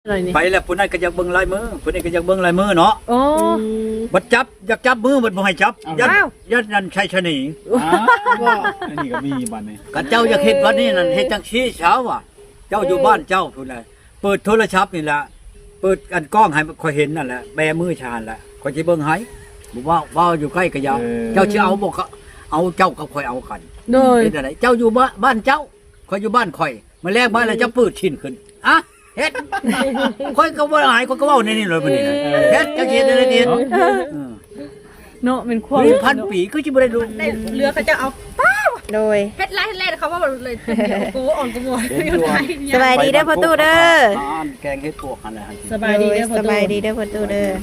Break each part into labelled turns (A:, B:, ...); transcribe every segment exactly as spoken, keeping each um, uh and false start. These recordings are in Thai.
A: ไปแล้วผู้นั้นก็อยากเบิ่งลายมือผู้นี้ก็อยากเบิ่งลายมือเนาะ
B: โอ้
A: บัดจับอยากจับมือบัดบ่ให้จับยัดยัดนั่นใช่ชะนี
C: อ้าวอันนี้ก็มีบัดนี้
A: กันเจ้าอยากเฮ็ดวันนี้นั่นเฮ็ดจังซี่เช้าว่ะเจ้าอยู่บ้านเจ้าพุ่นน่ะเปิดโทรศัพท์นี่ล่ะเปิดอันกล้องให้ข่อยเห็นนั่นแหละแบมือชาญแหละข่อยสิเบิ่งให้บ่ว่าว่าอยู่ใกล้ก็ยาวเจ้าสิเอาบ่ก็เอาเจ้ากับข่อยเอากัน
B: โดย
A: เฮ็ดอะไรเจ้าอยู่บ้านเจ้าข่อยอยู่บ้านข่อยมาแลกบ้านแล้วเจ้าปืดชิ้นขึ้นอะเฮ็ดข่อยก็บ่หายข่อยก็เว้าในนี่เลยบัดนี้นะเฮ็ดจังซี่ได้เดียว
B: เนาะเป็นความ
A: มีพันปีคือสิบ่ได้รู้
D: ได้เรือเขาจะเอา
E: โดย
D: เฮ็ดไรเฮ็ดไรเขาว่าเลยกูอ่อนกูหมด
E: สบายดีเด้อพ่อตู้เด้อ
A: แกงเฮ็ดพวกอันนั้นให้
B: สบายดีเด้อพ่อ
E: ส
B: ตู้
E: บายดีเด้อพ่อตู้เด้อ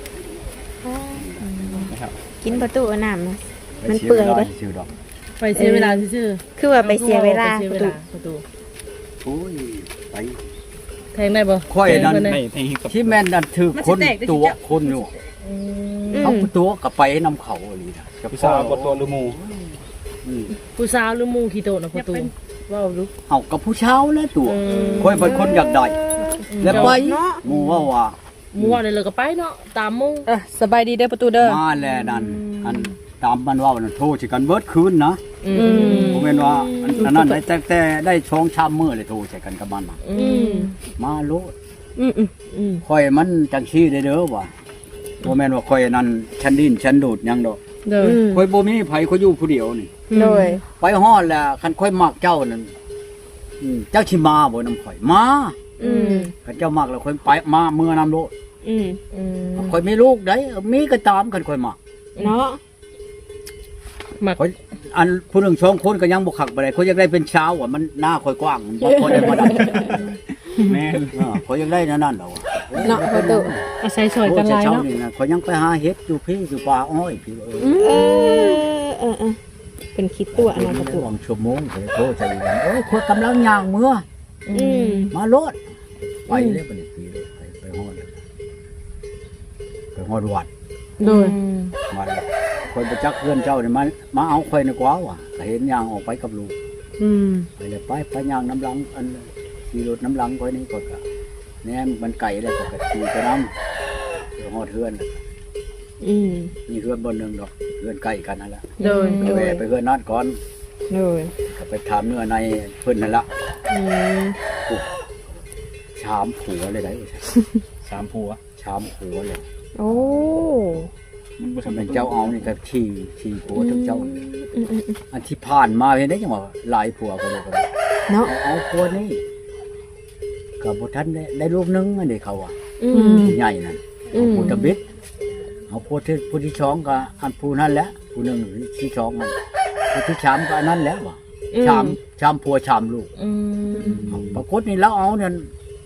C: นะครับ
E: กินพ่อตู้เอาน้ำนะมันเปื่อยเด้
A: ชื่อดอก
B: ไปเสียเวลาซื่อ
E: คือว่าไปเสียเวลา
B: ไปเสีย
E: พ่อ
B: เว
E: ตู้
B: ลาพ่อตู้
A: โอ้ยไป
B: แทงได้บ่
A: ข่อยนั่น
B: แทงเพิ่
C: ให้
B: ได้
C: ให้กับ
A: ที่แม่นนั่นถือคนตัวคนอยู่
B: อืม
A: เขาตัวก็ไปนำเขาอีหลีนะ
C: ผู้สาวบ่ตัวหรือหมู่
A: อืม
B: ผู้สาวหรือหมู่ขี้โตนะพ่อตู้เว้าลูก
A: เอากับผู้เช้าแล้วตัว
B: อืม
A: ข่อยเป็นคนอยากได้แล้วไปหมู่ว่าว่า
B: หมู่ว่าได้เลยก็ไปเนาะตามหมู่อ่ะสบายดีเด้อพ่อตู้เด้อ
A: มาแล้วนั่นอันตามมันว่ามันโทรสิกันเบิดคืนนะ
B: อืม
A: ผมเป็นว่าอันนั้นได้แต่แต่ได้ช่องชามมื้อเลยโทรใส่กันกับมันน่ะ
B: อืม
A: มาโลด
E: อืมอืม
B: อืม
A: ข่อยมันจังซี่ได้เด้อว่าบ่แม่นว่าข่อยนั่นฉันดิ้นฉันดูดหยังดอก
B: เด้อ
A: ข่อยบ่มีไผข่อยอยู่ผู้เดียวนี่
E: โดย
A: ไปฮอดแล้วคันข่อยมักเจ้านั่นอืมเจ้าสิมาบ่นำข่อยมา
E: อืม
A: คันเจ้ามักแล้วข่อยไปมาเมื่อนำโลด
E: อืม
B: อืม
A: ข่อยมีลูกได้เออมีก็ตามกันข่อยมัก
E: เนาะ
B: มัก
A: ข่อยอันผู้หนึงสองคนก็ยังบ่คักบ่ได้ข่อยอยากได้เป็นชาวอ่ะมันหน้าข่อยกว้างมันบ่พอได้บ่ได้
C: แม่น
A: เออข่อยอยากได้นั่นนั่นดอก
E: เนาะพ่อตู้
B: อาศัยช่วยกันหลาย
A: โอ้แต่
B: เนาะ
A: เช้นี่นะข่อยยังไปหาเฮ็ดอยู่พี่อยู่ป่าอ้อยพี่เออ
E: เออเออเออเป็นคิดตัวอันนั้นพ่อตู้
A: วางชั่วโมงข่อยโทรใจกันโอ้ยข่อยกำลังย่างเมื่อ
E: อืม
A: มาโลดไปเลยบัดนี้พี่เลยไปไปฮอดไปฮอดวัด
B: โดย
A: วัดแล้วข่อยไปจักเพื่อนเจ้านี่มามาเอาข่อยในกว่าว่ะก็เห็นย่างออกไปกับลูก
B: อืม
A: ไปเลยไปไปย่างน้ำหลังอันขี่รถน้ำหลังข่อยนี่ก็ก็แหนมมันไก่แล้วก็ก็ขี่ไปน้ำเดี๋ยวฮอดเฮือน
E: อืม
A: มีเฮือนบนหนึงดอกเฮือนใกล้กันนั่นแหละ
B: โดย
A: ไปแวะไปเฮือนนั่นก่อน
E: โดย
A: ก็ไปถามเนื้อในเพิ่นนั่นละ
E: อืม
A: ชามผัวเลยได้
C: สามผัว
A: ชามผัวเลย
E: โอ้
C: มันบ่
A: ถ้า
C: ทำ
A: เป็นเจ้าเอานี่ก็ขี่ขี่ผัวทั้งเจ้า
E: อืมอืมอืม
A: อันที่ผ่านมาเห็นได้จังว่าหลายผัวก็เลยก็ได้
E: เนาะ
A: เอาผัวนี่กับบท่านได้ได้ลูกนึงอันนี้เขาอ่ะ
E: อืม
A: ใหญ่นั่น
E: อืม
A: ผู้ตะบิดเอาผัวที่ผู้ที่ช้องก็อันผู้นั่นแหละผู้หนึ่งที่ช้องมันผู้ที่ชามก็อันนั้นแล้วว่ะชามชามผัวชามลูก
B: อืม
A: ปรากฏนี่เราเอาเนี่ย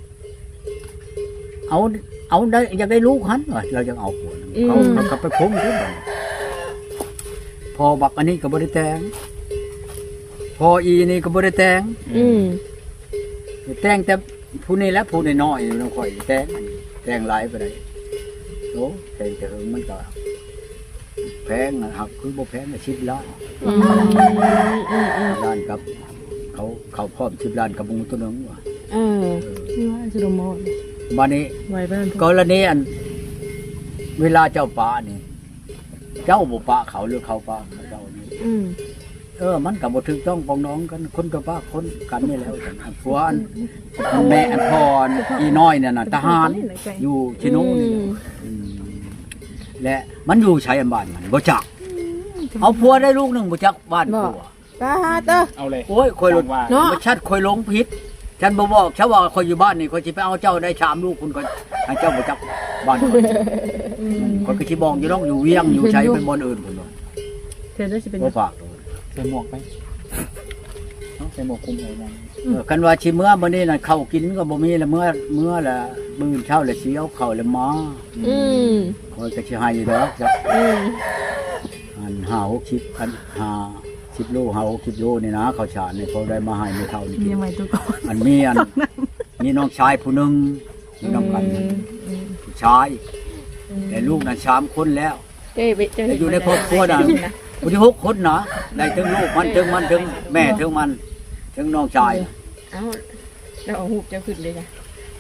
A: เอาเอาได้อยากได้ลูกหันว่ะเราจะเอาผัวนั่นเขาเขาก็ไปคุ้มขึ้นไปพอบักอันนี้ก็บริแตงพออีนี่ก็บริแตง
E: อืม
A: แต่งแต่ผู้นี้และผู้น้อยๆน้องข่อยแต่งแต่งหลายไปเลยโอ้แต่งแต่เฮิงมันก็แพงนะหักคือบ่แพงนะสิบล้าน
E: อืมอืมอืม
A: ล้านกับ เขาเขาพร้อมสิบล้านกับหมูตัวหนึงว่ะ
E: เออ
B: นี่ว่าสิโดมอน
A: บัดนี้
B: ไว้บ้าน
A: กรณีอัน เวลาเจ้าป่านี่ เจ้าบ่ป่าเขาหรือเขาป่าเจ้านี่
E: อืม
A: เออมันก็บ่ถูกต้องปองน้องกันคนกับป่าคนกันนี่แล้วกันอันผัวอันแม่อันพรอีน้อยเนี่ยน่ะทหารอยู่ชิโน่นี่แหละ อืมและมันอยู่ใช้อันบ้านมันบ่จัก เอาผัวได้ลูกหนึงบ่จักบ้านผัว
E: ป้าเต้อ
C: เอาเลย
A: โอ้ยคอยรถ
C: ว่า
E: เนาะ
A: บ่ชัดคอยหลงผิดฉันบ่บอกฉันว่าคอยอยู่บ้านนี่คอยสิไปเอาเจ้าได้ชามลูกคุณก็ให้เจ้าบ่จักบ้านคอยคอยก็สิบอกอยู่น้องอยู่เวียงอยู่ใช้เป็นบ่อนอื่นพุ่นว่า
B: เธอได้สิเป็น
A: บ่ฝาก
C: ใส่หมวกไปเนาะใส่หมวกคลุมหัวมัน
A: เออคันว่าสิเมื่อมื้อนี้น่ะข้าวกินก็บ่มีแล้วเมื่อเมื่อละมื้อเช้าแล้วสิเอาข้าวแล้วมา
E: อืม
A: คอยก็สิให้ดอกจัก
E: อืม
A: อันห้าหกสิบอันห้าสิบโลห้าหกสิบโลนี่นะข้าวสารนี่เขาได้มาให้ไม่เท่านี่กิน
B: ยังไงตัวก่อน
A: อันมีอันมีน้องชายผู้หนึ่งมีน้องกันผู้ชายแต่ลูกนั้นสามคนแล้ว
E: เจ้ยไปเจ้ย
A: แต่อยู่ในครอบครัวนั้นผู้ที่หกคนนะได้ถึงลูกมันถึงมันถึงแม่ถึงมันถึงน้องชาย
E: เอ้าแล้วเอาหูบเจ้าขึ้นเลยจ้ะ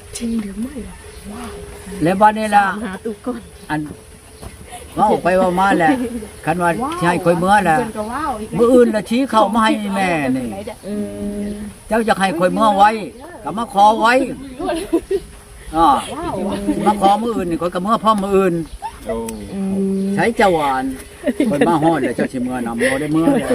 B: จริงหรือไม่ล่ะ
A: แล้วบัดนี้ล่ะ
B: หาตู้ก่อน
A: อันเว้าไปเว่ามาแหละคันว่าสิให้ข่อยเมื่อแหละมื้ออื่นละชี้เข้ามาให้แม่นี่
B: อืม
A: เจ้าจะให้ข่อยเมื่อไว้ก็มาขอไว้อ่ามาขอมื้ออื่นนี่ข่อยก็เมื่อพร้อมมื้ออื่น
C: โอ้
B: อืม
A: ใช้เจ้าหวานข่อยมาฮอดแล้วเจ้าสิเมื่อนำบ่ได้เมื่อแล้ว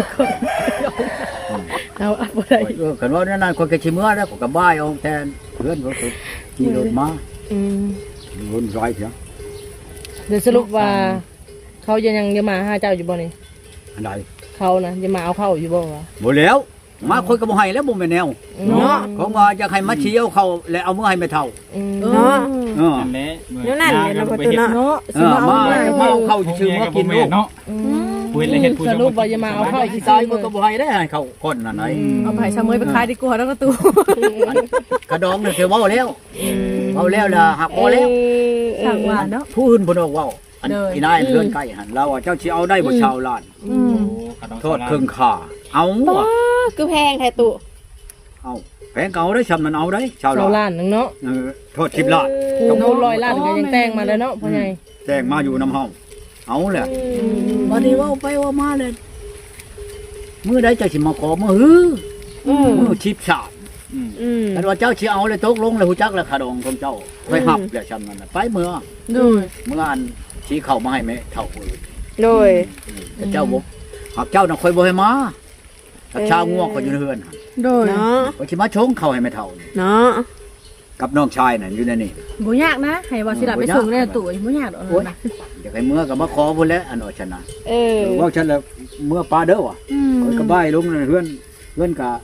B: เอาเอาบ่ได้
A: เออคันว่านั่นๆข่อยก็สิเมื่อแล้วข่อยก็บ้ายเอาแทนเพื่อนข่อยก็ขี่รถมา
B: อืม
A: วนร้อยเถียง
B: เดี๋ยวสรุปว่า เขายังยังจะมาหาเจ้าอยู่บ่นี่
A: อันใด
B: เขานะจะมาเอาเข้าอยู่บ่วะ
A: บ่แล้วมาข่อยก็บ่ให้แล้วบ่แม่นแนว
B: เนาะ
A: ของว่าจะให้มาเชี่ยวเขาแล้วเอามื้อให้แม่เฒ่า
E: เนาะ
A: เออ
C: นั่นแหละ
E: เดี๋ยวนั่นเลยนะประตูเนาะ
B: เนาะ
A: เออมาเมาเข้าชื่อมากินลูก
C: เนาะพูดเลยเฮ็ดพูด
B: สรุปว่าจะมาเอาเข้า
A: สิตายมันก็บ่ให้ได้ให้เขาคนนั่นไหน
D: เอาไปชะเมยไปขายดีกว่าแล้วก็ตู้
A: กระดองนี่คือเว้าแล้วเว้าแล้วล่ะหักบ่แล้ว
D: ทางว่าเนาะ
A: ผู้อื่นบ่นอกเว้าอัน
D: เด้อ
A: อีนายเรือนใกล้หั่นเราว่าเจ้าสิเอาได้บ่ชาวล้านโทษครึ่งค่าเอา
E: ป้า
A: ว่ะ
E: คือแพงแท้ตุ
A: เอาแพงเก่าได้ชำนั้นเอาได้ชาว
B: เรา
A: ล้าน
B: ล้านหนึงเนาะ
A: เออโทษสิบล้าน
B: จงโดนร้อยล้านก็ยังแต่งมาแล้วเนาะพ่อใหญ่
A: แจ้งมาอยู่นำเฮาเอาแหละบัดนี้เว้าไปเว่ามาเลยมื้อใดเจ้าสิมาขอมื้อฮือ
E: อืม
A: มื้อชิบชาบ
E: อืม
A: แต่ว่าเจ้าสิเอาเลยตกลงเลยฮู้จักแล้วขาดองของเจ้าค่อยหับแล้วชำนั้นน่ะไปเมื่อ
D: ดู
A: เมื่ออันชี้เข้ามาให้แม่เฒ่าอื่น
E: โดย
A: แต่เจ้าบ่หักเจ้าน่ะค่อยบ่ให้มาถ้าชาวงัวก็อยู่ในเฮือนหั่น
D: โดย
E: เนาะ
A: ก็สิมาชงเข้าให้แม่เฒ่านี่
E: เนาะ
A: กับน้องชายน่ะอยู่ในนี่
D: บ่ยากนะให้ว่าสิรับไปส่งในตู้บ่ยากดอก
A: โอ้ย
D: นะ
A: อยากให้เมื่อก็มาขอพุ่นแหล้วอันว่าฉันน่ะ
E: เออ
A: เว้าฉันแล้วเมื่อปลาเด้อว่ะ
D: อืม
A: ข้อยก็บ้ายลงในเฮือนเฮือนก็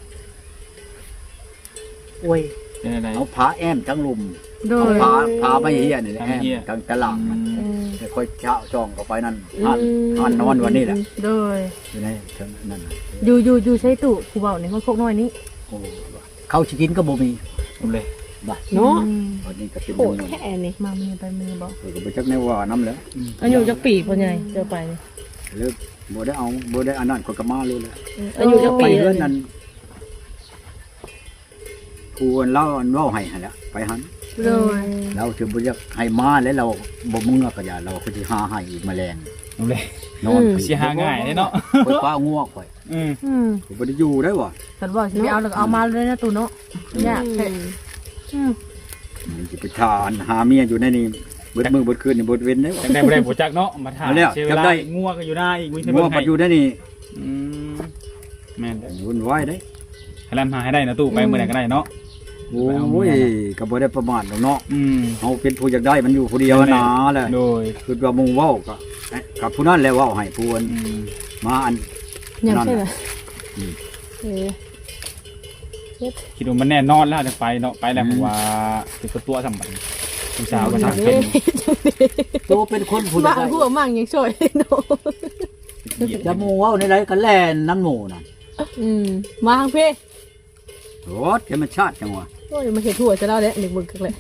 A: โอ้ย
C: เป็นอะไร
A: เอาผาแอมทั้งลุม
D: โด
A: เอา
D: ย
A: ผาผาไม่เฮียนี่แหละ
C: ผา
A: แอ
C: ไม่
A: ม
C: เหี้ย
A: กลางตลาดมันแต่ค่อยเช้าจองเข้าไปนั่นอ่านอ่านนอนวันนี้แหละ
D: โดย
A: อยู่ในเทิงนั่นน่ะ
D: อยู่อยู่อยู่ใช้ตู้ผู้เว้านี่มันพกน้อยนี้
A: โอ้เข้าสิกินก็บ่มี
C: ผมเลย
A: บ่
E: เนาะ
A: วันนี้ก็เป็น
E: โห
A: เงิ
E: ด
A: น
E: แค่นี้
D: มามือไปมือบ่
A: เออก็บ่จักแนวว่านํแหล้ว
B: อายุจักปีพ่อใหญ่เจอไปนี่
A: เลิกบ่ได้เอาบ่ได้อันนั้นก็ก็มาเลยแหละ
B: อายุจัก
A: ไป
B: ปี
A: เฮือน
B: นั่
A: นั้น นผู้อันเล่าอันเว้าให้หั่นแหละไปหัน
D: โดย
A: เราถึงบ่อยากให้มาแล้วเราบ่มึงก็อย่าเราก็สิหาให้อีกแมลง
C: ผมเลย
A: นอน
C: สิหาง่ายเลยเนาะ
A: ข่อยป้างัวข่อย
C: อืม
D: อืม
A: ข่อยบ่ได้อยู่ได้ว่ะ
D: ฉันบอกสิไปเอาแล้วก็เอามาเลยนะตู้เนาะยากแท้อืม
A: มันสิไปทานหาเมียอยู่ในนี่เบิดมื้อเบิดคืนนี่บ่เว้นได้
C: จังได้บ่ได้บ่จักเนาะมาถาม
A: เอาแล้ว
C: เสียเว
A: จั
C: ลาก
A: ได้
C: งัวก็อยู่หน้าอีกมี
A: งัวปัดอยู่ในนี่
C: อืมแม่น
A: วุ่นวายเด้
C: ให้ลำหาให้ได้นะตู้ไปเมื่อไหร่ก็ได้เนาะ
A: โอ้ยก็บ่ได้ประมาทหรอกเนาะ
C: อืม
A: เฮาเป็นผู้อยากได้มันอยู่ผู้เดียวนะแหละ
C: โดย
A: คือว่าหมู่เว้าก็เอ๊ะกับผู้นั้นแหละเว้าให้ผู้อัน
C: อืม
A: มาอัน
B: ยัง
A: นั่น
B: ใช่ไหม
A: น่ะ
B: เออ
C: คิดว่ามันแน่นอนแล้วจะไปเนาะไปแล้วผมว่าเป็นตัวสำคัญผู้สาวก็ทำเป็น
A: ตัวเป็นคนผู้อยา
D: บ้าก
A: ได้
D: หัวมั่งยังช่วยเนาะ
A: จะหมู่เว้าในไรก็แล่นน้ำหมู่น่ะ
D: อืมมาทางพี่
A: โหดธรรมชาติจังหวะ
D: โอ้ยมาเห็ดถั่วจะเล่าแล้วเด็กบึกกันเลย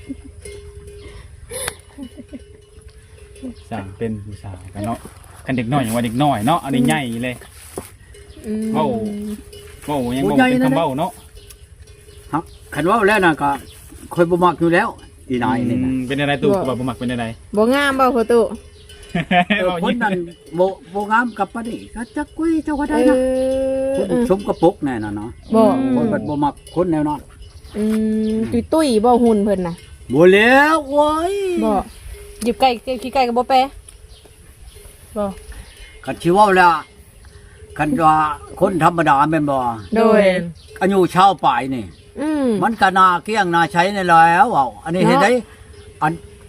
C: สาวเป็นผู้สาวกันเนาะกันเด็กน้อยอย่างว่าเด็กน้อยเนาะอันนี้ใหญ่เลยเว้าเว้ายังบ่เป็นคำเว้าเนาะ
A: ครับคันเว่าแล้วนะก็คอยบ่มักอยู่แล้ว อีนายนี่นะ
C: เป็นอะไรตู้กับบ่มักเป็นอะไร
E: บ่งามบ่ประตู
A: เออคนนั้นบ่บ่งามกับปานนี้ก็จักกุ้ยเจ้าก็
E: เอ
A: ได้นะ
E: อ
A: คนสมกระปกแน่น่ะเนาะ
E: บ่
A: คนบัดบ่มักคนแนวนั้น
E: อืมตุ้ยตุ้ยบ่หุ่นเพิ่นน่ะ
A: บ่แล้วโอ้ย
E: บ่หยิบไก่ขี้ไก่ก็บ่แปะบ่
A: คันสิเว้าแล้วคันว่าคนธรรมดาแม่นบ่
E: โดย
A: อายุชาวปลายนี่
E: อืม
A: มันก็น่าเกลี้ยงน่าใช้นี่แล้วเว้าอันนี้เห็นได้อัน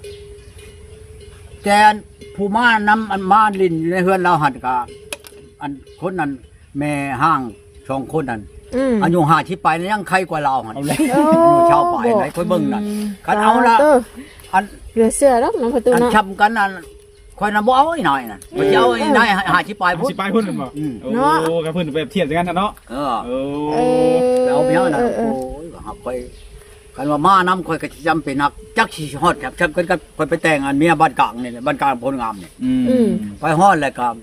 A: แกนผู้มานำอันมาลินอยู่ในเฮือนเราหัดกะอันคนนั้นแม่ห้างสองคนนั้น
E: อืม
A: อายุห้าสิบไปนี่ยังใครกว่าเราหัน
C: เอาเลย
E: โอ้
A: อายุชาวป่ายไหนค่อยเบิ่งนั่นคันเอาละ
E: ต
A: อัน
E: เหลือเสื้อแล้วน้องประตู
A: อัน
E: เนาะ
A: ช้ำกันนั่นค่อยน่ะบ่เอาไอ้น้อยนั่นบ่สิเอาไอ้นายห้าสิบไปพุ่น
C: สิไปพุ่นบ่
A: อืม
C: โอ้กับเพิ่นไปเทียบกันนะเนาะ
A: เออ
C: โอ้
E: เออ
A: ไปเอาเมียน่ะ
E: เออเอ
A: โอ้
E: อย
A: ก็หักค่อยคันว่ามานํค่อยก็สิจำเป็นนักจักสิฮอดครับจักกันกับค่อยไปแต่งอันเมียบ้านกลางนี่แหละบ้านกลางพลงามนี่
C: อืม
A: ไปฮอดแล้วก็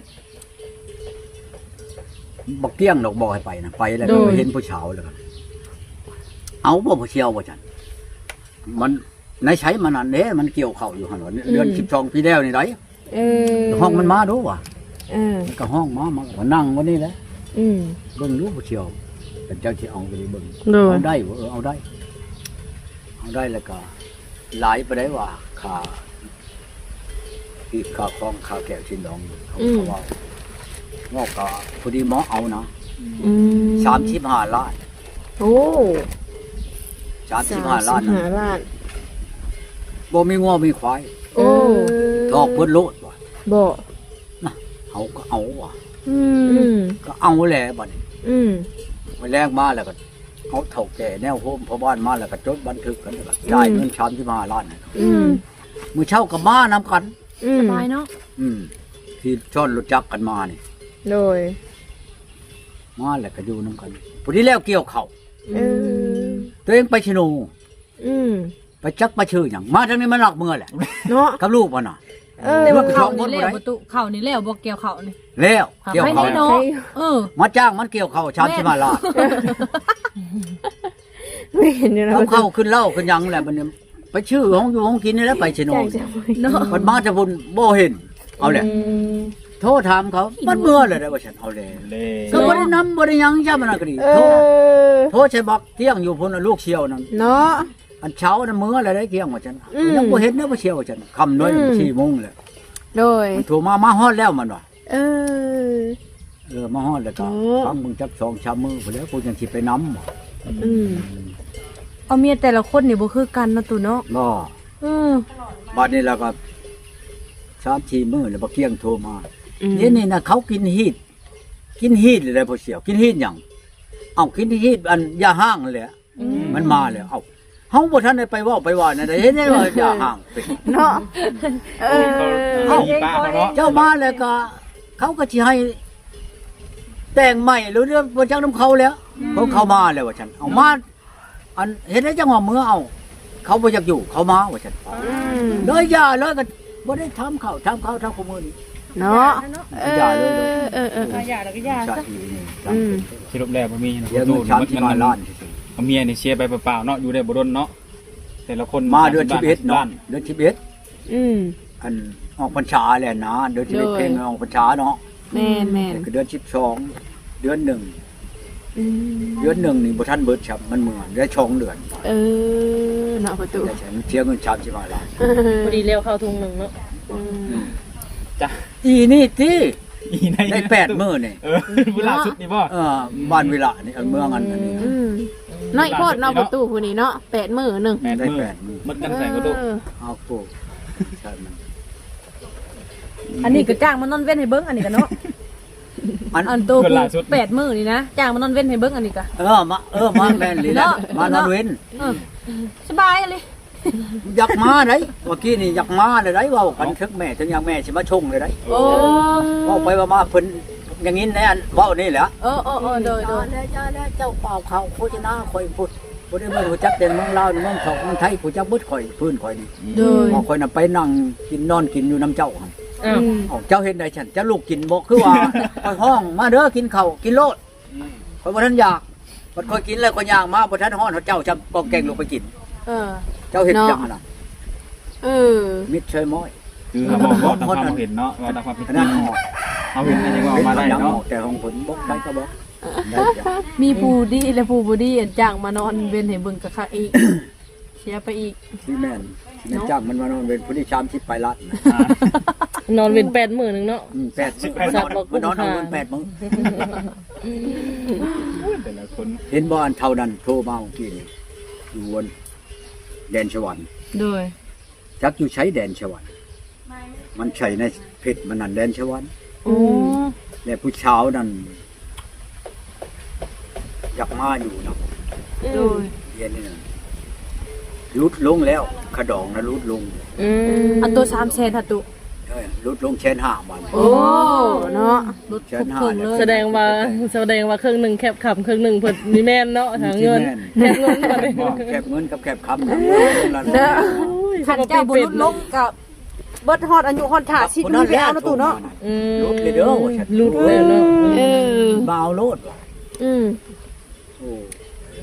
A: บ่เกี้ยงดอกบ่ให้ไปนะไปแล้วก็ไปเห็นผู้สาวแล้วก็เอาบ่ผู้เชี่ยวบ่จันมันในใช้มันอันเด้มันเกี่ยวเข้าอยู่หั่นว่าเดือนสิบสองปีแล้วนี่ได
E: เออ
A: ห้องมันมาดูว่ะ
E: เออ
A: มันก็ห้องมามาก็นั่งวันนี้แหละ
E: อืม
A: เบิ่งรู้บ่เชียวแต่เจ้าสิเอาไปเบิ่ง
B: โดย
A: เอาได้บ่เออเอาได้เอาได้แล้วก็หลายไปได้ว่าค่าที่ค่าครองค่าแก้วชิ้นดองเขาเขาว่างอกก็พอดีหมอเอานะ
E: อืม
A: สามสิบห้าล้าน
E: โอ้
A: สามสิบห้าล้าน
E: สมสิบ
A: นะ
E: ห้าล้าน
A: บ่มีงัวมีควาย
E: โอ้
A: ทอกเพิ่นโลดว่ะ
E: บ่
A: เอาก็เอาว่ะ
E: อืม
A: ก็เอาแหละบัดนี้
E: อืม
A: ไปแลกมาแล้วก็เอาเฒ่าแก่แนวโฮมพ่อบ้านมาแล้วก็จดบันทึกกันแล้วก็จ่ายเงินสามสิบห้าล้านให้เขา
E: อืม
A: มื้อเช้าก็มานํกัน
E: อืม
D: สบายเนาะ
A: อืมที่ชอนรถจักรกันมานี่
E: โดย
A: มาแล้วก็อยู่นํกันพอดีแล้วเกี่ยวเข้าว
E: เออ
A: ตัวเองไปชะโน
E: อืม
A: ไปจักไปชื่อหยังมาทางนี้มันหลักเมือแหละ
E: เนาะ
A: กับลูกมันน่ะ
E: เออ
D: แต่ว่า
A: ลูก
D: เขา
A: สองคน
D: นี่
A: บ่
D: แล้ว
A: ได้
D: ประตูเขานี่แล้วบ่เกี่ยวเขานี่
A: แล้วเกี่ยว
D: ไม่
A: เข้าว
D: ได้เนาะเออ
A: มาจ้างมันเกี่ยวเข้าวชามสิมาล้าน
E: ไม่เห็นอยู่นะ
A: เขาเข้าขึ้นเหล้าขึ้นหยังแหละมันเนี่ยไปชื่อของอยู่ของกินนี่แหล้วไปชะโน
E: ใจจะ
D: เนาะ
A: มันมาจะพุ่นบ่เห็นเอาแหละ
E: ม
A: โทรถามเขามันเมื่อเลยได้ว่าฉันเอาเลย
C: เล่
A: ก็บ่ได้นำบ่ได้หยังจ้ามันน่ะก็ดี
E: เอ
A: โทร
E: อ
A: โทรใช้บักเที่ยงอยู่พุ่นน่ะลูกเชียวนั่น
E: เนาะ
A: อันเช้าน่ะมื้ออะไรได้เที่ยงว่าฉัน
E: อืม
A: ยังบ่เห็นเด้อบ่เชียวว่าฉันค่ำน้อย
E: อืม
A: สี่โมงแหละ
E: โดย
A: มันโทรมามาฮอดแล้วมันว่า
E: เออ
A: เออมาฮอดแล้วก็
E: โอ้
A: ฟังมึงจักสองชามมื้อพุ่นแล้วกูยังสิไปนำบ่
E: อืม
D: เอาเมียแต่ละคนนี่บ่คือกันเนาะตู่เนาะ
A: บ่
D: เออ
A: บัดนี้แล้วก็สามสี่มื้อแล้วบ่เที่ยงโทรมา
E: อืม
A: นี่นี่น่ะเขากินฮีดกินฮีดเลยได้บ่เชียวกินฮีดหยังเอ้ากินฮีดอันยาห้างนั่นแหละมันมาแล้วเอ้าเฮาบ่ทันได้ไปเว้าไปว่านั่นได้เห็นได้ว่ายาห้างเป็น
E: เนาะเออ
C: เขามีป้าเขาเนาะ
A: เจ้ามาแล้วก็ เขาก็สิให้ แต่งใหม่หรือเรื่องบ่จักน้ำเขาแล้วเขาเข้ามาแล้วว่าฉันเอามาอันเห็นได้จังหวะมือเอา เขาบ่อยากอยู่เขามาว่าฉัน
E: อืม
A: เลยอย่าเลยก็บ่ได้ทำเขาทำเขาทำขโมยนี่
E: เนาะเออ
A: อย่าเลยเลย
E: เออเออเออ
B: อย่าแล้วก็อย่า
A: ชา
B: ซะ
A: ตินี้
E: อืม
C: สรุปแล้วบ่มีนะ
A: เดี๋ยว
C: ดู
A: มันชามที่มาล้านสิ
C: เอาเมียนี่เชียร์ไปเปล่าๆเนาะอยู่ได้บ่ดนเนาะแต่ละคน
A: มาเดือนสิบเอ็ด
C: ล้
A: เนาะเดือนสิบเอ็ด
E: อืม
A: อันออกพรรษาแหละนะเดือนสิบเอ็ด
E: โดย
A: เพลงออกพรรษาเนาะ
E: แม่นแม่น
A: คือเดือนสิบสองเดือนหนึ่ง
E: อืม
A: เดือนหนึ่งนี่บ่ทันเบิดครับมันเหมือนได้ช่องเดือน
E: เออเนาะประตู
A: ได้ใช้เสียเงินชามสิมาล้าน
B: พอดีเร็วเข้าทุงหนึ่งเนาะ
E: อืม
C: จ้ะ
A: อีนี่ติ
C: อีใน
A: ได้แปดมื้อนี่
C: เออเวลาสุดนี่บ่
A: เออบ้านเวลานี่อันเมืองอันอันนี้
E: อืมน้อยโพดเนาะประตูผู้นี้เนาะแปดมื้อหนึง
C: แปด
A: ได้
C: มื้อ
A: แปดมื้อ
C: มันกันใส่ก็ดู
E: เออ
A: เอาปลูกใช่มัน
D: อันนี้ก็จ้างมานอนเว้นให้เบิ่งอันนี้ก็เนาะ
A: อัน
D: อันโตกูแปดมื้อนี่นะจ้างมานอนเว้นให้เบิ่งอันนี้ก็
A: เออมาเออมาแม่นเลยนะ
D: เนาะ
A: มานอนเว้น
D: เออสบายเลย
A: อยากมาได้เมื่อกี้นี่อยากมาเลยได้เว่ากันถึงแม่ถึงอย่างแม่สิมาชงเลยได้
D: โอ้
A: เว่าไปว่ามาเพิ่นอย่างนี้แน่นเว้านี่แหละ
D: เออเออเออโดยโดย
A: แล้วจ้าแล้วเจ้าเป่าเขาโฆษณาข่อยพูดบ่ได้มารู้จักแต่เมืองลาวเมืองทองเมืองไทยผู้จักเบิดข่อยพื้นข่อยนี่
D: โดย
A: พอข่อยน่ะไปนั่งกินนอนกินอยู่น้ำเจ้าหั่น
B: อ้าว
A: เอ้าเจ้าเห็นได้ฉันจะลูกกินบ่คือว่า ข่อยห้องมาเด้อกินข้าวกินโลดข่อยบ่ทันอยากบัดข่อยกินแล้วข่อยย่างมาบ่ทันฮ้อนเจ้าจำกองแกงลงไปกิน
D: เออ
A: เจ้าเห็นจังหั่นน่ะ
E: เออ
A: มิดเชยม้อย
C: คือเขาบอกว่าตามความเห็นเนาะว่าตามความเป็น
A: อัน
C: จริ
A: นั้น
C: ง
A: ออก
C: เขาเห็นอะไรก็
A: เห็น
C: มาได้
A: ยังอ
C: เนาะ
A: อกแต่ของผลบ่ได้ก็บ่ได้จ้ะ
D: มีผู้ดีและผู้บ่ดีอันจ้างมานอนเว้นให้เบิ่งกะคักอีกเสียไปอีก
A: ที่แม่นแม่นจ้างมันมานอนเป็นผู้ที่ชามที่ไปรัดนะ
C: อ่าน
B: อนเว้นแปดหมื่นหนึ่งเนาะ
A: อืมแปดมื้อมันนอนมันนอนเอาเงินแปดมื้อ
C: แต่ละคน
A: เห็นบ่อันเท่านั้นโทรมาเมื่อกี้นี่อยู่บนแดนสวรรค์
D: โดย
A: จักอยู่ใช้แดนสวรรค์มันใช้ในเพชรมันนั่นแดนสวรรค์
D: โอ้
A: และผู้เช้านั่นอยากมาอยู่เนาะ
D: โดย
A: เย็นนี่นะลุดลงแล้วขะดองนะลุดลง
B: อืม
D: อันตัวสามแสนหัตุ
A: เอ้ยลุดลงแชนห้าวัน
E: โอ้เนาะ
D: ลดทุกเครื่องเลย
B: แสดงว่าแสดงว่าเครื่องหนึ่งแคบขับเครื่องหนึ่งเพิ่นมีแม่นเนาะหาเงินแคบเงินมาเลย
A: บ่แคบเงินกับแคบคำนะ
E: เด้อ
D: ขันเจ้าบุรุษลงกับ
E: เบิดฮอดอายุฮอดถ่าสิบปีไปเอาเนาะตู่เนาะ
B: อืม
A: ลุดเลยเด้อว่าฉัน
B: ลุดเลยเนาะ
E: เออ
A: บ่าวโลดว่ะ
E: อืม
A: โอ้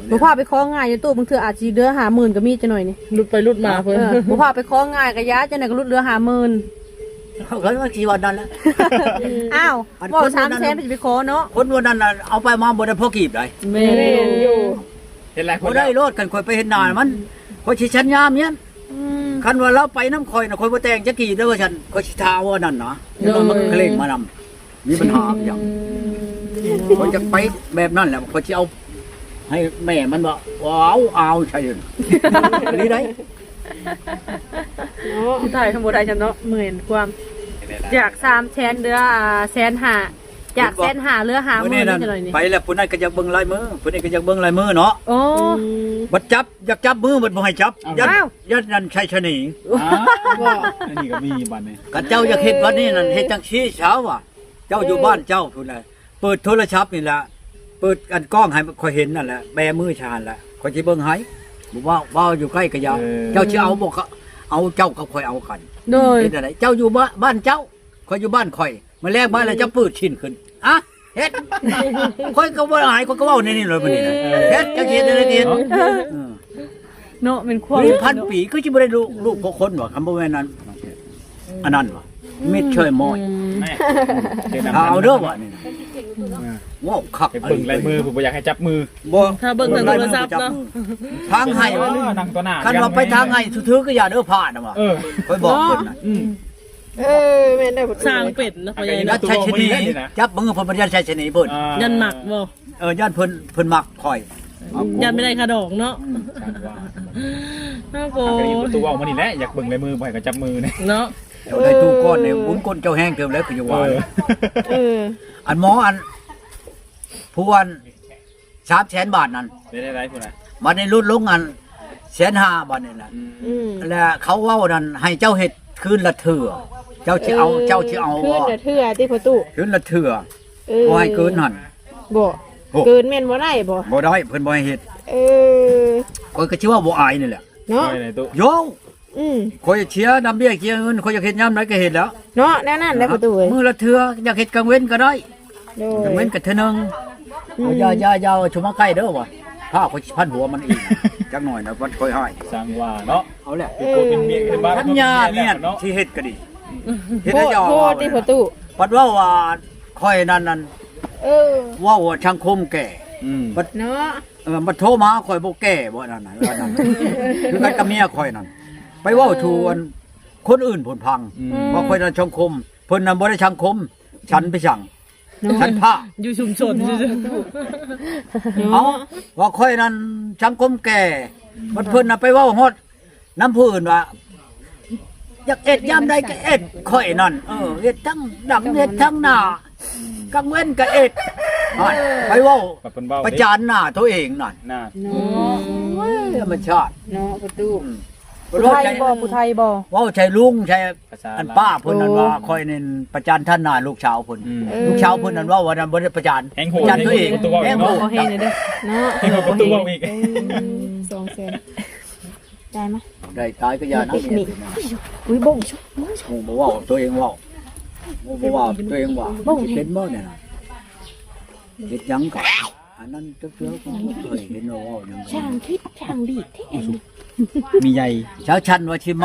D: บ่พาไปคล้องง่ายอยู่ตู้บางเทื่ออาจสิเดือห้าหมื่นก็มีจังหน่อยนี่
B: ลุดไปลุดมาเพิ่น
D: เออบ่พาไปคล้องง่ายก็ยาจังได๋ก็ลดเหลือห้าหมื่น
A: เขาก็ว่าชีวันนั้นแหละ
D: อ้าวบ่สามแสนสิไปขอเนาะ
A: คนวันนั้นน่ะเอาไปมาบ่ได้พอกีบได้
B: แม่
E: แม่นอยู่
C: เห็นหลายค
A: บ่
C: น
A: ได้โลดกันคอยไปเห็นหน้ามันคอยสิชันยามเนี่ย
D: อืม
A: คันว่าเราไปน้ำคอยน่ะคอยบ่แต่งจักกี่เด้อว่าฉันคอยสิทาว่านั่นนะเดี๋ยวมันเคร่งมานำมีปัญหาอย่างคอยจะไปแบบนั้นแหละคอยสิเอาให้แม่มันบ่ว้าวเอาใช่เลยอันนี้ได้
D: เนาะได้ทั้งบ่ได้จังเนาะหมื่นความจากสามแสนเหลืออ่าแสนห้าจากแสนห้าเหลือห้าห
A: มื้อ
D: มื่
A: นี้
D: น
A: นั่น
D: จังหน่อยนี่
A: ไปแล้วผู้นั้นก็อยากเบิ่งลายมือผู้นี้ก็อยากเบิ่งลายมือเนาะ
D: โอ้
A: บัดจับอยากจับมือบัดบ่ให้จับยัด
D: อ้าว
A: ยัดนั่นใช่ชะนี
C: อ้าวอันนี้ก็มีบัดนี้
A: กันเจ้าอยากเฮ็ดวันนี้นั่นเฮ็ดจังชี้เช้าว่ะเจ้าอยู่บ้านเจ้าพุ่นน่ะเปิดโทรศัพท์นี่ล่ะเปิดอันกล้องให้ค่อยเห็นนั่นแหละแบมือชาญละค่อยสิเบิ่งให้บ่ว่าว่าอยู่ใกล้ก็อย่าเจ้าสิเอาบ่ก็เอาเจ้ากับค่อยเอากัน
D: โดย
A: เฮ็ดอะไรเจ้าอยู่บ้านบ้านเจ้าค่อยอยู่บ้านค่อยมาแลกบ้านแล้วเจ้าปืดชิ้นขึ้นอะเฮ็ดค่อยก็บ่หายค่อยก็เว้าในนี่เลยบัดนี้นะเฮ็ดจังเฮ็ดได้เฮ็ด
D: เนาะเป็นความ
A: มีพันปีก็สิบ่ได้ลูกลูกพวกคนว่ะคำบ่แม่นนั้นอันนั้นว่ะมิดช่วยมอย
C: แม่เดี๋ยว
A: เอาเด้อว่ะนี่นะว้าวคัก
C: ไปเบิ่งลายมือผมบ่อยากให้จับมือ
A: บ่
B: ถ้าเบิ่งทางโทรศัพท์เนาะ
A: ทางให้ว่า
C: นั่งต่อหน้า
A: คันว่าไปทางให้ถือๆก็อย่าเด้อพลาดนะว่ะ
C: เออ
A: ค่อยบอกเพิ่นน่ะ
C: อืม
E: เออแม่นได้บ่
B: สร้างเป็ดนะพ่อใหญ่
A: ยั
B: เนาะ
A: ดชัยชนีจับมือเพิ่นบ่ยัดชัยชนีเพิ่น
C: อ่า
B: ยันหมักบ่
A: เออยันเพิ่นเพิ่นมักคอยเอา
B: ยันไม่ได้ขะดอกเนาะ
C: ช่างว่า
B: น่าโก
C: ทางนี้ประตูเอามานี่แหละอยากเบิ่งลายมือบ่ให้ก็จับมือเนี่ย
B: เนาะ
A: เดี๋ยวได้ตู้ก้อนเนี่ยบุญก้นเจ้าแห้งเติมแล้วคืออยู่
C: เอ
A: ว่า
C: อ
E: เออ
A: อันหมออันผู้อันสามแสนบาทนั่น
C: ได้ได้ได้พุ่นน่ะ
A: บัดนี้ลดลงอันแสนห้าบาทนี่น่ะ
E: อืม
A: แล้วเขาเว้านั่นให้เจ้าเฮ็ดคืนละเถื่อเจ้าสิเอาเจ้าสิเอา
E: ขึ้น
A: บ่
E: น่ะเทื่อที่ประตู
A: คืนละเถื่อ
E: เออ
A: บ่ให้เกินหั่น
E: บ่
A: โอ้
E: เกินแม่นบ่ได้บ่
A: บ่ได้เพิ่นบ่ให้เฮ็ด
E: เออ
A: ข้อยก็สิว่าบ่อายนี่แหละ
E: เนาะ
C: ได้ได้ตู้
A: โย
E: อืม
A: ข้อยเชียร์นำเบี้ยเชียร์เงินข้อยอยากเฮ็ดยามใดก็เฮ็ดแล้ว
E: เนาะแน่นั่นได้ประตูเอ้ย
A: มื้อละเถื่ออยากเฮ็ดกลางเว้นก็ได้
E: โด
A: กลาง
E: ย
A: เว้นก็เทื่อนึงเอาอย่าอย่าอย่าเอาชุมาใกล้เด้อว่ะถ้าข้อยสิพันหัวมันอีกจักหน่อยนะวันค่อยให้
C: สร้างว่าเนาะ
A: เอาแหละ
C: เป็นโกเป็นเมียกันบ้าน
A: ทัญญาเนี่ยที่เฮ็ดก็ดีเฮ็ด
E: โพ
A: ให้
E: ด
A: เจ้า
E: โพดที่ประตู
A: ปัดว่าว่าค่อยนั่นนั่น
E: เออ
A: ว่าว่าช่างคมแก่
C: อืม
E: เนาะ
A: เออมาโทรมาค่อยบ่แก่บ่นั่นน่ะว่านั่นคือกันกับเมียค่อยนั่นไปเว้าทูอันคนอื่นผลพังว่าค่อยนั่นช่างคมเพิ่นนั่นบ่ได้ช่างคม ฉันไปสั่งฉันพระ
B: อยู่ชุมชนซื่อ
A: เอาว่าค่อยนั่นช่างคมแก่มันเพิ่นน่ะไปเว้าฮอดน้ำผู้อื่นว่าอยากเอ็ดยามใดก็เอ็ดค่อยนั่นเออเอ็ดทั้งดังเอ็ดทั้งหน้ากลางเว้นก็เอ็ดนั่นไปเว้า
C: กับเพิ่นเว้า
A: ประจานหน้าตัวเองนั่น
C: หน้า
E: เนาะ
A: ธรรมชาติ
E: เนาะประตู
D: ผู้ไทยบ่ผู้ไทยบ่
A: เว่าใช่ลุงใช่
C: ภาษา
A: อันป้าเพิ่นนั่นว่าคอยเน้นประจานท่านหน้าลูกชาวเพิ่น
C: อืม
A: ลูกชาวเพิ่นนั่นว่าวันนั้นบ่ได้ประจาน
C: แหงโห
A: ประจานตัวเอง
C: ตัวเว้า
A: แหงโห
B: ๆบ่เฮ็ดเด้อ
E: เนาะ
C: แหงโหประตูเว้าอีก
E: เออสองแสนได้ไหม
A: ได้ตายก็อย่านะ
E: นี่อุ้ยบ่งชุบ
A: โอ้บ่เว้าตัวเองเว้าบ่เว้าตัวเองว่าสิเป็นบ่เนี่ยน่ะเฮ็ดหยังก็อันนั้นเจ้าๆก็เคยเห็นว่าเว้าหยัง
E: ช่างคิดช่างดีแท้
C: มีใหญ่
A: เช้าชันว่าสิมา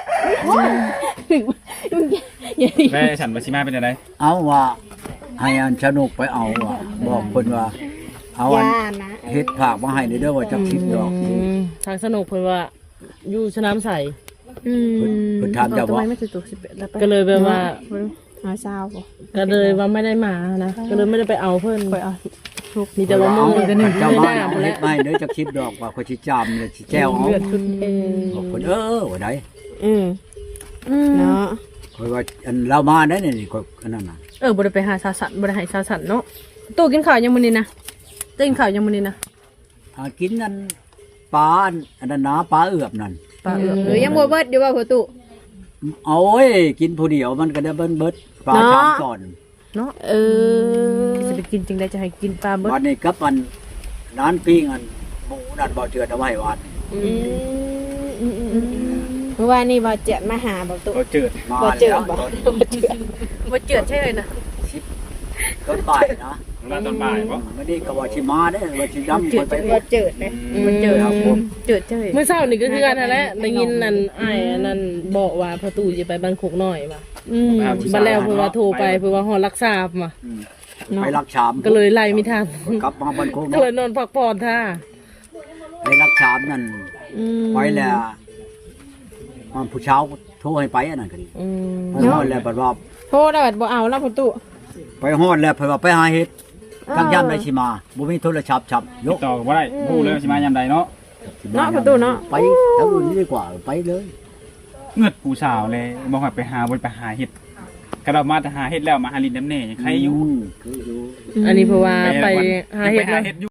C: แม่ฉันว่าสิมาเป็นจังได๋
A: เอาว่าให้อันสนุกไปเอาว่าบอกเพิ่นว่าเอาอัน
E: ย่านะ
A: เฮ็ดผากมาให้นี่เด้อว่าจักสิบดอก
B: อืมทางสนุกเพิ่นว่าอยู่สนามใส
E: อืม
A: เพิ่นเพิ่นถามเจ้า
D: ทำ
A: ว่า
D: ไมไม่ถึงตัวสิบเอ็ดแล้วไป
B: ก็เลยแบบว่า
E: หาซาวบ่
B: ก็เลยว่าไม่ได้มานะก็เลยไม่ได้ไปเอาเพิ่น
D: ไปเอา
B: มีแต่ว่ามือก็หนึ่ง
A: เจ้า
B: ไม่
A: บ้า
B: ได้
A: นเอา
B: หมด
A: เฮ็
B: แล้
A: ด
B: ว
A: ไม่เด้อจักสิบดอกว่าเขาสิจามเลยสิแจ้วเอา
B: เลือดขึ้น
E: เออ
A: บอกเพิ่นเออว่าได้
E: อืมเนาะ
A: คอยว่าอันเรามาได้นี่ก็อันนั้นน่ะ
D: เออบ่ได้ไปหาสาสันบ่ได้ให้สาสันเนาะตู้กินข้าวยังมื้อนี้นะตู้กินข้าวยังมื้อนี้นะ
A: หากินนั่นปลาอันอันนั้นนะปลาเอือบนั่น
D: ปลาเอือก
E: หรือยังบ่เบิดอยู่ว่าประตู
A: เอาโอ้ยกินผู้เดียวมันก็ได้เบิ้นเบิดปลา
E: เนาะ
A: ชามก่อน
D: เนาะ
E: เออ
D: สิไปกินจริงได้จะให้กินปลาเบิด
A: วันนี้กับอันร้านปิ้งอันหมูนั่นบ่เจือดเอาไว้วัด
E: อืมอืมอืมอืมเมื่อวานนี้บ่เจ็ดมาหาประตู
C: ก็เจิด
A: มา
E: บ่เจอ
A: แล้ว
E: บ่
A: ตอน
E: บ่เจอ
D: บ่เจือดใช่เลยนะ
A: ต้นบ่ายนะ
C: เวลาตอนบ่ายบ่
A: ไม่ได้ก็ว่าสิมาได้ว่าสิย้ำ
E: เจิ
A: ค
E: ด
A: นไป
E: ว่าเจิดเลย
D: มันเจอ
A: ครับผม
D: เจอเจอ
B: เมื่อเช้านี่ก็คือกันนั่นแหละได้ยินนั่นอ้ายอันนั่นบอกว่าประตูจะไปบ้านโคกน้อยว่ะ
E: อืม
B: บัดแล้วเพิ่นว่าโทรไปเพิ่นว่าฮอดรักษามา
A: อืมไปรักชาม
B: ก็เลยไล่ไม่ทัน
A: กลับมาบ้านโคก
B: ก็เลยนอนพักผ่อนท่า
A: ไปรักชามนั่น
E: อืม
A: ไปแล้วมันผู้เช้าโทรให้ไปอันนั้นก็ดี
B: อืม
A: ไปฮอดแล้วบัดว่า
E: โทรได้บัดบ่เอาแล้วประตู
A: ไปฮอดแล้วเพิ่นว่าไปหาเฮ็ดทั้งย่ำได้สิมาบ่มีโทรศัพท์ฉับย
C: ติ
A: ก
C: ดต่อก็บ่ได้ฮู้เลยว่าสิมายามใดเนาะ
E: เนาะประตูเนาะ
A: ไปทางอื่นดีกว่าไปเลย
C: เงือดผู้สาวเลยบ่ให้ไปหาบ่ไปหาเฮ็ดกระดามาแต่หาเฮ็ดแล้วมาหาลินน้ำแน่ยังใครอยู่
A: มคืออยู่
B: อันนี้เพราะว่าไปหา
C: ยัง
B: เห็
C: ไป
B: ด
C: หา
B: แล้ว
C: เฮ็ดอยู่